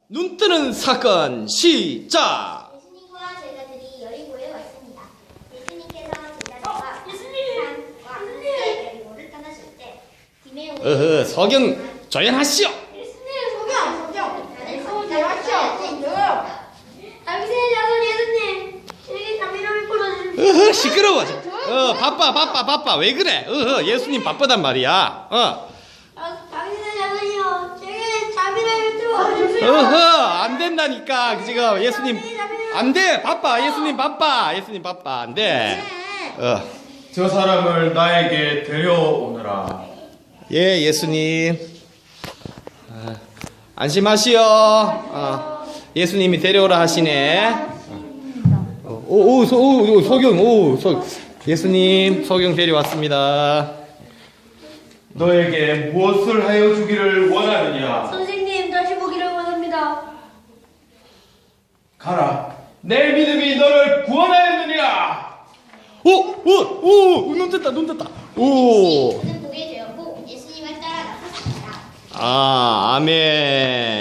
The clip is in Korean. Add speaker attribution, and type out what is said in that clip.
Speaker 1: 눈 뜨는 사건 시작.
Speaker 2: 예수님과 제자들이 여리고에 왔습니다. 예수님께서 제자들과 산과 함께 여리고를 떠나실 때 디메오는
Speaker 1: 서경 조연하시오.
Speaker 2: 예수님 소경 다윗의 자손 예수님 저에게 자비를 베풀어 주십시오.
Speaker 1: 시끄러워. 바빠 왜 그래? 예수님 바쁘단 말이야.
Speaker 2: 다윗의 자손이요 저에게 자비를 베풀어 주십시오.
Speaker 1: 안 된다니까 지금 예수님 안 돼. 바빠. 예수님 바빠 안 돼.
Speaker 3: 저 사람을 나에게 데려오너라.
Speaker 1: 예, 예수님. 안심하시오. 예수님이 데려오라 하시네. 서경, 예수님, 서경 데려왔습니다.
Speaker 3: 너에게 무엇을 하여 주기를 원하느냐?
Speaker 2: 선생님 다시 보기를 원합니다.
Speaker 3: 가라. 내 믿음이 너를 구원하였느니라.
Speaker 1: 눈 떴다.
Speaker 2: 눈을 보게 되었고 예수님을 따라 나섰습니다.
Speaker 1: 아멘.